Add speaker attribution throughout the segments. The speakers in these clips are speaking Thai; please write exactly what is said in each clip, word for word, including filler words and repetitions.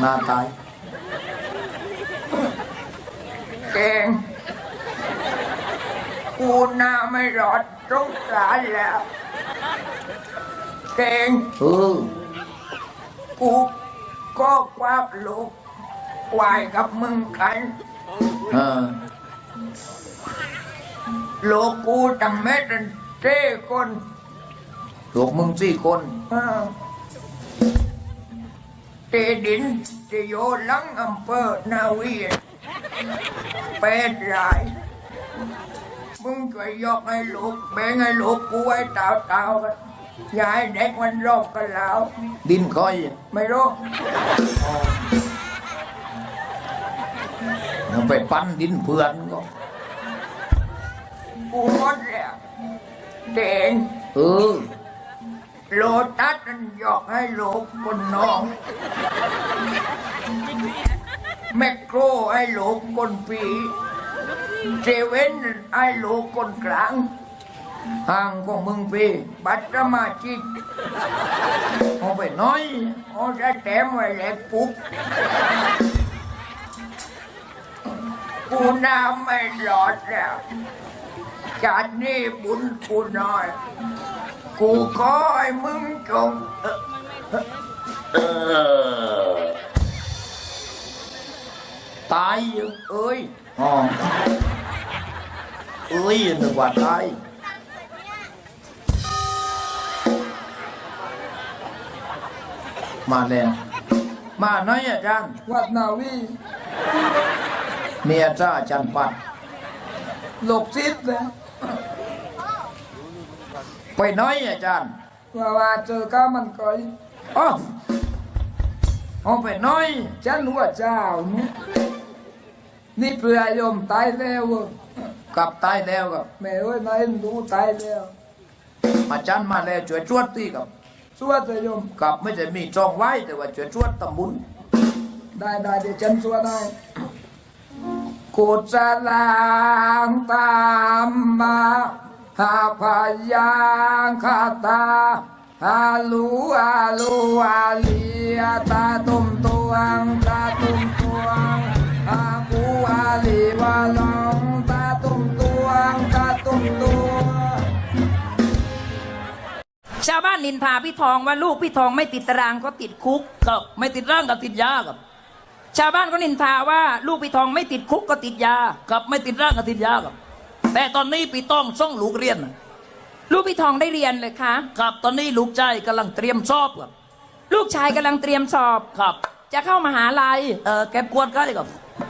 Speaker 1: น้าตาย
Speaker 2: เก่งกูหน้าไม่รอดสงสารแล้วเก่ง
Speaker 1: เออ
Speaker 2: กูก็ควักลูกไหวกับมึงกัน
Speaker 1: เออ
Speaker 2: ลูกกูตั้งเม็ดเจ้คน
Speaker 1: ลูกมึงสี่คน
Speaker 2: เออเตดินจะโยหลังอำเภอนาเวียนเป็ดรายมึงช่วยยกให้ลูกแบ่งให้ลูกกูไว้เต่าๆกันอย่าให้เด็กมันรบกันแล้ว
Speaker 1: ดินคอย
Speaker 2: ไม่รู้
Speaker 1: เอาไปปั้นดินเพื่อนก็
Speaker 2: กูหมดแล้วเก่ง
Speaker 1: เออ
Speaker 2: โลตัสมันยกให้ลูกคนน้องแมคโครให้ลูกคนปีเซเว่นให้ลูกคนกลางห่างของมึงปีบัตรสมาชิกเอาไปน้อยเอาจะแต้มไว้แหลกปุ๊บกูน้ำไม่หลอดแล้วจากนี้บุญกูน้อยกูขอให้มึงจงเออ
Speaker 1: ตายอยู่
Speaker 2: เอ้ย
Speaker 1: อ๋อเอ้ยนึกว่าตายมาแล้วมาหน่อยอาจารย์
Speaker 2: วัดนาวี
Speaker 1: เมียจ้าอาจันปัด
Speaker 2: หลบซิดเลย
Speaker 1: ไปหน้อยอาจารย์
Speaker 2: ว่าว่าเจอก้ามันก่อย
Speaker 1: อ๋อเอาไปหน้อย
Speaker 2: ฉันว่าเจ้านี่นี่เพื่อโยมตายแล้วเว้ย
Speaker 1: กลับตายแล้วกับ
Speaker 2: แม่เอ้ยนายดูตายแล้ว
Speaker 1: อาจารย์มาแล้วช่วยชวดตีกับ
Speaker 2: สวดเลยโยม
Speaker 1: กับไม่ใช่มีจองไว้แต่ว่าช่วยชวดตำบุญ
Speaker 2: ได้ได้เดี๋ยวฉันสวดให้กุศลางตามมาหาพยังคาตาฮาลูอาลูอาลีตาตุมตวงตาตุมตวงอากูอาลีวาลองตาตุมตวงตาตุมตวง
Speaker 3: ชาวบ้านนินทาพี่ทองว่าลูกพี่ทองไม่ติดตารางก็ติดคุก
Speaker 1: กับไม่ติดร่างกับติดยากับ
Speaker 3: ชาวบ้านก็นินทาว่าลูกพี่ทองไม่ติดคุกก็ติดยา
Speaker 1: กับไม่ติดร่างกับติดยากับแต่ตอนนี้พี่ต้องส่งลูกเรียนน่ะ
Speaker 3: ลูกพี่ทองได้เรียนเลยคะ
Speaker 1: กับตอนนี้ลูกชายกำลังเตรียมสอบกับ
Speaker 3: ลูกชายกำลังเตรียมสอบ
Speaker 1: ครับ
Speaker 3: จะเข้ามหาลัย
Speaker 1: เออเก็บกวนก็ได้กับ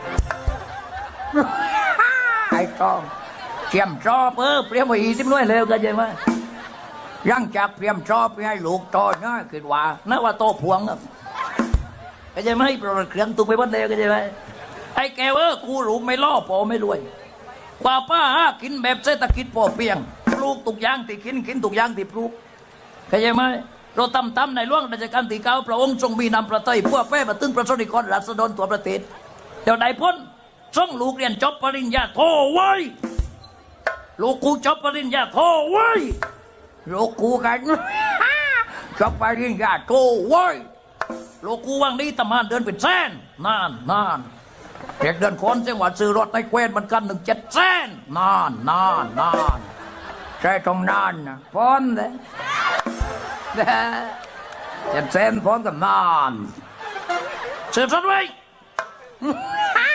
Speaker 2: ไอ้กองเตรียมสอบ
Speaker 1: เออเตรียมไว้อีกน้อยเร็วกันใช่ไหม
Speaker 2: ยังจากเตรียมสอบให้ลูกต่อนะคิดว่า
Speaker 1: นั่นว่าโตพวงครับก็ใช่ไหมเพราะเครื่องตุ้งไปบัดเดียวก็ใช่ไหมไอ้แกเออกูรู้ไม่ล่อพอไม่รวยกว่าป้าหากินแบบเศรษฐกิจพอเพียงปลูกตุกอย่างที่กินกินตุกอย่างที่ปลูกเข้าใจไหมเราทำตามในหลวงรัชกาลที่เก้าพระองค์ทรงมีนำประเทศเพื่อแพร่มาตึงประชาชนราษฎรตัวประเทศเดี๋ยวได้พ้นส่งลูกเรียนจบปริญญาโทไว้ลูกกูจบปริญญาโทไว้
Speaker 2: ลูกกูกัน จบปริญญาโทเว้ย
Speaker 1: ลูกกูว่างนี้ทำงานเดินเป็นแสนนานนานเด็กเดินคนจังหวัดซื้อรถในแคว้นมันกันหนึ่งเจ็ดแสนนานนานนาน
Speaker 2: ใช่ตรงนั้นนะ
Speaker 1: พ้นเลยเจ็ดแสนพ้นกันนานซื้อรถไว้